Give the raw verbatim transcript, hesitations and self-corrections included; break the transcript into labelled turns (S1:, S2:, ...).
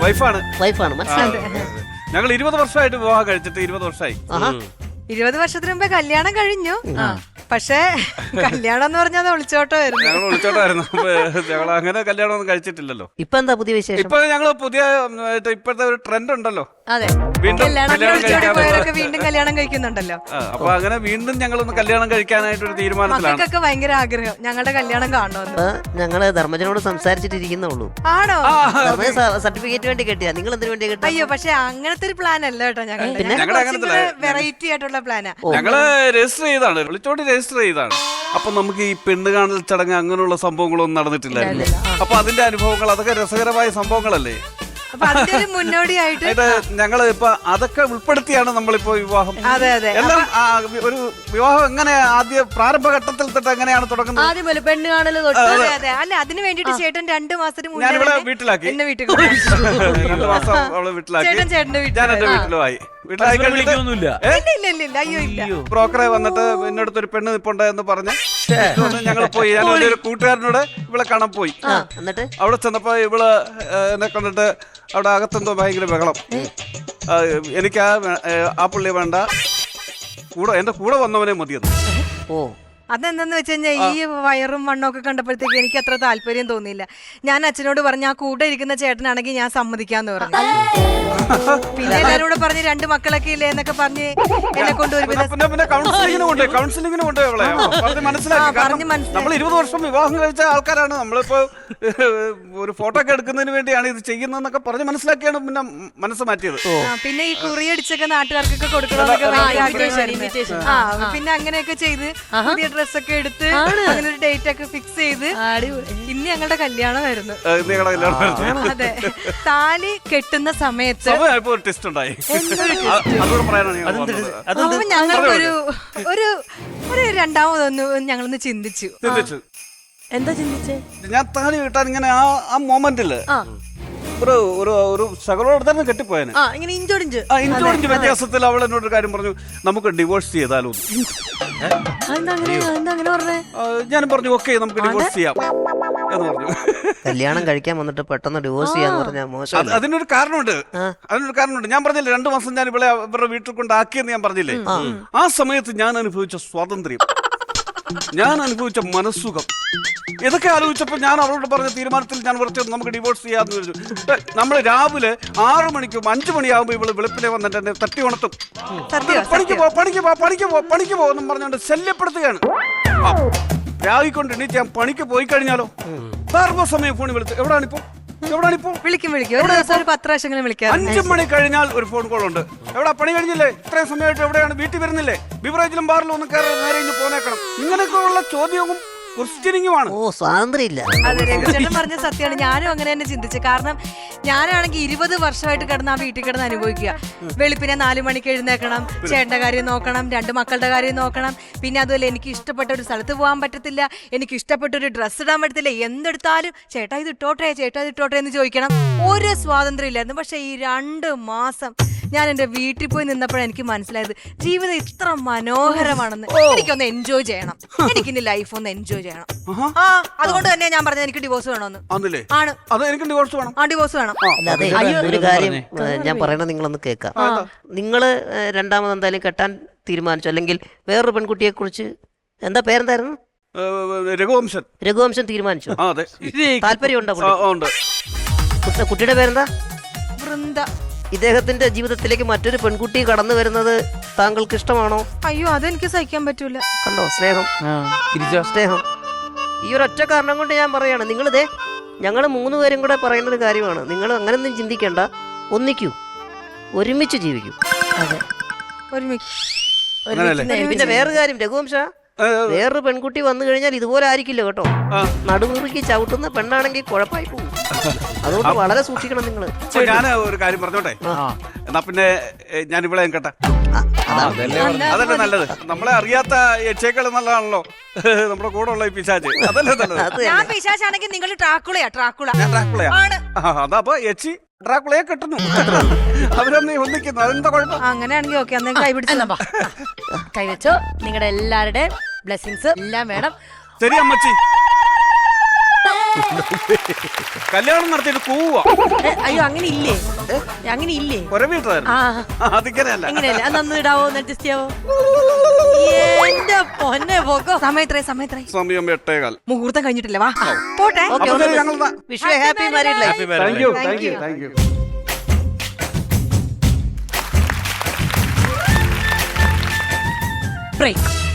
S1: വൈഫാണ്
S2: വൈഫാണ് മനസ്സിലായി.
S1: ഞങ്ങൾ ഇരുപത് വർഷമായിട്ട് വിവാഹം കഴിച്ചിട്ട് ഇരുപത് വർഷമായി.
S3: ഇരുപത് വർഷത്തിന് മുമ്പേ കല്യാണം കഴിഞ്ഞു. പക്ഷേ കല്യാണം എന്ന് പറഞ്ഞാൽ ഒളിച്ചോട്ടമായിരുന്നു.
S1: ഞങ്ങൾ ഒളിച്ചോട്ടമായിരുന്നു. ഞങ്ങൾ അങ്ങനെ കല്യാണം ഒന്നും കഴിച്ചിട്ടില്ലല്ലോ.
S2: ഇപ്പൊ എന്താ പുതിയ വിശേഷം?
S1: ഇപ്പൊ ഞങ്ങള് പുതിയ ഇപ്പോഴത്തെ ഒരു ട്രെൻഡ് ഉണ്ടല്ലോ.
S3: അതെ,
S1: വീണ്ടും
S3: പോയവരൊക്കെ വീണ്ടും കല്യാണം കഴിക്കുന്നുണ്ടല്ലോ.
S1: അപ്പൊ അങ്ങനെ വീണ്ടും ഞങ്ങളൊന്ന് കല്യാണം കഴിക്കാനായിട്ടൊരു തീരുമാനത്തിലാണ്.
S3: മക്കൾക്കൊക്കെ ഭയങ്കര ആഗ്രഹം ഞങ്ങളുടെ കല്യാണം കാണുമെന്ന്.
S2: ഞങ്ങള് ധർമ്മജനോട് സംസാരിച്ചിട്ടിരിക്കുന്നുള്ളൂ.
S3: ആണോ?
S2: സർട്ടിഫിക്കറ്റ് വേണ്ടി കെട്ടിയാ? നിങ്ങൾ എന്തിനു വേണ്ടി കെട്ടിയ?
S3: അയ്യോ, പക്ഷെ അങ്ങനത്തെ ഒരു പ്ലാൻ അല്ല കേട്ടോ. ഞങ്ങൾ വെറൈറ്റി ആയിട്ടുള്ള പ്ലാനാ.
S1: ഞങ്ങള് രജിസ്റ്റർ ചെയ്താണ്, വിളിച്ചോണ്ട് രജിസ്റ്റർ ചെയ്താണ്. അപ്പൊ നമുക്ക് ഈ പെണ്ണ് കാണൽ ചടങ്ങ് അങ്ങനെയുള്ള സംഭവങ്ങളൊന്നും നടന്നിട്ടില്ലായിരുന്നു. അപ്പൊ അതിന്റെ അനുഭവങ്ങൾ അതൊക്കെ രസകരമായ സംഭവങ്ങളല്ലേ.
S3: മുന്നോടിയായിട്ട്
S1: ഞങ്ങള് ഇപ്പൊ അതൊക്കെ ഉൾപ്പെടുത്തിയാണ് നമ്മളിപ്പോ വിവാഹം.
S3: അതെ അതെ
S1: എല്ലാം ഒരു വിവാഹം എങ്ങനെ ആദ്യ പ്രാരംഭഘട്ടത്തിൽ തൊട്ട് എങ്ങനെയാണ് തുടങ്ങുന്നത്?
S3: ആദ്യം പെണ്ണ് കാണല് തൊട്ട്. അതെ അതെ. അല്ല, അതിന് വേണ്ടിട്ട് ചേട്ടൻ രണ്ടു മാസത്തിന് മുന്നേ
S1: ഞാനിവിടെ വീട്ടിലാക്കി.
S3: എന്നെ വീട്ടിൽ
S1: രണ്ടു മാസം അവള് വീട്ടിലാക്കി.
S3: ചേട്ടൻ ചേട്ടന്റെ വീട്ടിൽ.
S1: ഞാൻ എന്റെ വീട്ടിലുമായി. ബ്രോക്കറെ വന്നിട്ട് എന്നോടത്ത് ഒരു പെണ്ണ് നിപ്പുണ്ട് എന്ന് പറഞ്ഞ് ഞങ്ങൾ പോയി. ഞാൻ ഒരു കൂട്ടുകാരനോട് ഇവളെ കാണാൻ പോയി.
S2: എന്നിട്ട്
S1: അവിടെ ചെന്നപ്പോ ഇവള് എന്നെ കണ്ടിട്ട് അവിടെ അകത്തെന്തോ ഭയങ്കര ബഹളം. എനിക്ക് ആ ആ പുള്ളിയെ വേണ്ട, കൂടെ എന്റെ കൂടെ വന്നവനെ മതിയത്.
S2: ഓ,
S3: അതെന്താന്ന് വെച്ച് കഴിഞ്ഞാൽ ഈ വയറും മണ്ണൊക്കെ കണ്ടപ്പോഴത്തേക്ക് എനിക്ക് അത്ര താല്പര്യം തോന്നിയില്ല. ഞാൻ അച്ഛനോട് പറഞ്ഞു ആ കൂടെ ഇരിക്കുന്ന ചേട്ടനാണെങ്കിൽ ഞാൻ സമ്മതിക്കാന്ന് പറഞ്ഞു. പിന്നെ എല്ലാരും കൂടെ പറഞ്ഞ് രണ്ട് മക്കളൊക്കെ ഇല്ലേ എന്നൊക്കെ പറഞ്ഞ് എന്നെ കൊണ്ടുവരും.
S1: നമ്മൾ ഇരുപത് വർഷം വിവാഹം കഴിച്ച ആൾക്കാരാണ്. നമ്മളിപ്പോ ഒരു ഫോട്ടോ ഒക്കെ എടുക്കുന്നതിന് വേണ്ടിയാണ് ഇത് ചെയ്യുന്നതെന്നൊക്കെ പറഞ്ഞ് മനസ്സിലാക്കിയാണ് പിന്നെ മനസ്സ് മാറ്റിയത്.
S3: പിന്നെ ഈ കുറിയടിച്ചൊക്കെ നാട്ടുകാർക്കൊക്കെ കൊടുക്കണമെന്നൊക്കെ ഭയങ്കര ആഗ്രഹമായിരുന്നു. ആ പിന്നെ അങ്ങനെയൊക്കെ ചെയ്ത് പുതിയ ഡ്രസ്സൊക്കെ എടുത്ത് അങ്ങനെ ഒരു ഡേറ്റ് ഒക്കെ ഫിക്സ് ചെയ്ത് ഇന്ന് ഞങ്ങളുടെ കല്യാണമായിരുന്നു. അതെ, താലി കെട്ടുന്ന സമയത്ത് ഞങ്ങൾക്കൊരു ഒരു ഒരു രണ്ടാമതൊന്ന് ഞങ്ങളൊന്ന് ചിന്തിച്ചു. എന്താ ചിന്തിച്ചേ?
S1: ഞാൻ താലി കിട്ടാൻ ഇങ്ങനെ ആ ആ മൊമെന്റില് ഒരു ഒരു ഒരു ശകലോട് തന്നെ കെട്ടിപ്പോയനെ.
S3: ഇഞ്ചോടിഞ്ച്
S1: ഇഞ്ചോടിഞ്ച് വ്യത്യാസത്തിൽ അവൾ എന്നോടൊരു കാര്യം പറഞ്ഞു, നമുക്ക് ഡിവോഴ്സ് ചെയ്താലോ. ഞാൻ പറഞ്ഞു ഓക്കെ നമുക്ക് ഡിവോഴ്സ് ചെയ്യാം എന്ന് പറഞ്ഞു.
S2: കല്യാണം കഴിക്കാൻ വന്നിട്ട് പെട്ടെന്ന് ഡിവോഴ്സ് ചെയ്യാന്ന് പറഞ്ഞാൽ മോശം.
S1: അതിനൊരു കാരണമുണ്ട്. അതിനൊരു കാരണമുണ്ട്. ഞാൻ പറഞ്ഞില്ലേ രണ്ടു മാസം ഞാൻ ഇവിടെ ഇവരുടെ വീട്ടിൽ കൊണ്ടാക്കിയെന്ന് ഞാൻ പറഞ്ഞില്ലേ. ആ സമയത്ത് ഞാൻ അനുഭവിച്ച സ്വാതന്ത്ര്യം, ഞാൻ അനുഭവിച്ച മനസ്സുഖം, ഇതൊക്കെ ആലോചിച്ചപ്പോൾ ഞാൻ അവളോട് പറഞ്ഞ തീരുമാനത്തിൽ ഞാൻ കുറച്ച് നമുക്ക് ഡിവോഴ്സ് ചെയ്യാന്ന് വിചാരിച്ചു. നമ്മൾ രാവിലെ ആറു മണിക്കും അഞ്ചു മണിയാകുമ്പോൾ ഇവള് വെളുപ്പിലെ വന്നിട്ട് എന്നെ തട്ടി ഉണർത്തും. പണിക്ക് പോ പണിക്ക് പോ പണിക്ക് പോ പണിക്ക് പോ എന്നും പറഞ്ഞുകൊണ്ട് ശല്യപ്പെടുത്തുകയാണ്. രാവിക്കൊണ്ട് എണീറ്റ് ഞാൻ പണിക്ക് പോയി കഴിഞ്ഞാലോ സർവ്വസമയം ഫോണിൽ വിളിച്ചു, എവിടാണിപ്പോ എവിടാണിപ്പോ
S3: വിളിക്കും വിളിക്കും പത്ത് പ്രാവശ്യം വിളിക്കാം.
S1: അഞ്ചു മണി കഴിഞ്ഞാൽ ഒരു ഫോൺ കോൾ ഉണ്ട്. എവിടെ പണി കഴിഞ്ഞില്ലേ, ഇത്രയും സമയമായിട്ട് എവിടെയാണ്, വീട്ടിൽ വരുന്നില്ലേ, ബിവറേജിലും ബാറിലും ഒന്നും കയറി നേരെ ഇഞ്ഞ് പോന്നേക്കണം. ഇങ്ങനെയൊക്കെയുള്ള ചോദ്യവും ക്വസ്റ്റ്യനിങ്ങുമാണ്.
S2: ഓ, സ്വാതന്ത്ര്യമില്ല.
S3: അതെ, രഘുചേട്ടൻ പറഞ്ഞ സത്യമാണ്. ഞാനും അങ്ങനെ തന്നെ ചിന്തിച്ചു. കാരണം ഞാനാണെങ്കിൽ ഇരുപത് വർഷമായിട്ട് കിടന്ന് ആ വീട്ടിൽ കിടന്ന് അനുഭവിക്കുക. വെളുപ്പിനെ നാലു മണിക്ക് എഴുന്നേക്കണം, ചേട്ടന്റെ കാര്യം നോക്കണം, രണ്ട് മക്കളുടെ കാര്യം നോക്കണം. പിന്നെ അതുപോലെ എനിക്ക് ഇഷ്ടപ്പെട്ട ഒരു സ്ഥലത്ത് പോകാൻ പറ്റത്തില്ല, എനിക്ക് ഇഷ്ടപ്പെട്ട ഒരു ഡ്രസ്സ് ഇടാൻ പറ്റത്തില്ല. എന്തെടുത്താലും ചേട്ടാ ഇത് ഇട്ടോട്ടെ ചേട്ടാ ഇത് ഇട്ടോട്ടെ എന്ന് ചോദിക്കണം. ഒരു സ്വാതന്ത്ര്യം ഇല്ലായിരുന്നു. പക്ഷെ ഈ രണ്ട് മാസം ഞാൻ എന്റെ വീട്ടിൽ പോയി നിന്നപ്പോഴാണ് എനിക്ക് മനസ്സിലായത് ജീവിതം ഇത്ര മനോഹരമാണെന്ന്. എനിക്കൊന്ന് എൻജോയ് ചെയ്യണം, എനിക്കിനി ലൈഫ് ഒന്ന് എൻജോയ് ചെയ്യണം. ആ അതുകൊണ്ട് തന്നെ ഞാൻ പറഞ്ഞത് എനിക്ക് ഡിവോഴ്സ് വേണമെന്ന്. ആണ്, ആ ഡിവോഴ്സ് വേണം.
S2: അല്ലാതെ ഒരു കാര്യം ഞാൻ പറയണത് നിങ്ങളൊന്ന് കേൾക്കാം. നിങ്ങള് രണ്ടാമത് എന്തായാലും കെട്ടാൻ തീരുമാനിച്ചു, അല്ലെങ്കിൽ വേറൊരു പെൺകുട്ടിയെ കുറിച്ച്, എന്താ പേരെന്തായിരുന്നു?
S1: രഘുവംശൻ.
S2: രഘുവംശൻ തീരുമാനിച്ചു. താല്പര്യമുണ്ടോ? കുട്ടിയുടെ പേരെന്താ?
S3: വൃന്ദ.
S2: ഇദ്ദേഹത്തിന്റെ ജീവിതത്തിലേക്ക് മറ്റൊരു പെൺകുട്ടി കടന്നു വരുന്നത് താങ്കൾക്ക് ഇഷ്ടമാണോ?
S3: അയ്യോ, അതെനിക്ക് സഹിക്കാൻ പറ്റൂല.
S2: കണ്ടോ സ്നേഹം, സ്നേഹം. ഈ ഒരു ഒറ്റ കാരണം കൊണ്ട് ഞാൻ പറയാണ്, നിങ്ങളിതേ ഞങ്ങൾ മൂന്ന് പേരും കൂടെ പറയുന്നൊരു കാര്യമാണ്. നിങ്ങൾ അങ്ങനെയൊന്നും ചിന്തിക്കേണ്ട, ഒന്നിക്കൂ, ഒരുമിച്ച് ജീവിക്കൂ.
S3: അതെ,
S2: പിന്നെ വേറൊരു കാര്യം രഘുവംശ, വേറൊരു പെൺകുട്ടി വന്നു കഴിഞ്ഞാൽ ഇതുപോലെ ആയിരിക്കില്ല കേട്ടോ. നടുമുറുക്കി ചവിട്ടുന്ന പെണ്ണാണെങ്കിൽ കുഴപ്പമായി പോകും. അതുകൊണ്ട് വളരെ സൂക്ഷിക്കണം നിങ്ങള്.
S1: ഞാൻ ഒരു കാര്യം പറഞ്ഞോട്ടെ, എന്നാ പിന്നെ ഞാൻ ഇവിടെ കേട്ടെ. അതല്ലേ നല്ലത്. നമ്മളെ അറിയാത്ത യക്ഷേക്കൾ നല്ലതാണല്ലോ നമ്മുടെ കൂടെ ഉള്ള ഈ പിശാച്. അതല്ലേ നല്ലത്.
S3: ഞാൻ പിശാചാണെങ്കിൽ നിങ്ങൾ ട്രാക്കുളയാ. ട്രാക്കുള
S1: ഞാൻ ട്രാക്കുളയാ. അതാ അപ്പൊ യക്ഷി ഡ്രാക്കുളയെ കെട്ടുന്നു, അവരൊന്ന് ഒന്നിക്കുന്നു. അതെന്താ കുഴപ്പം?
S3: അങ്ങനെയാണെങ്കിൽ ഓക്കെ, അന്നേരം കൈപിടിച്ചു കൈവച്ചോ. നിങ്ങളുടെ എല്ലാവരുടെ ബ്ലെസ്സിങ്സ് എല്ലാം വേണം.
S1: ശരി അമ്മച്ചി. കല്യാണം നടത്തിയിട്ട് കൂവാ
S3: ഏ, അയ്യോ അങ്ങനെ ഇല്ലേ അങ്ങനെ ഇല്ലേ
S1: കൊരവീട്ടായിരുന്നു
S3: ആ
S1: അതിങ്ങനെയല്ല
S3: എങ്ങനെയല്ല അതൊന്ന് ഇടാവോ ഒന്ന് അഡ്ജസ്റ്റ് ചെയ്യാവോ എന്റെ പൊന്നെ പോക്കോ സമയത്രേ സമയത്രേ
S1: സമയം എട്ടേകാൽ
S3: മുഹൂർത്തം കഴിഞ്ഞിട്ടില്ല വാ പോട്ടെ
S2: ഓക്കെ
S1: അപ്പൊ ശരി, ഞങ്ങൾ
S2: Vishu happy married life.
S4: Happy married
S1: thank you
S3: Thank
S1: thank you
S3: you.
S1: Thank you
S3: break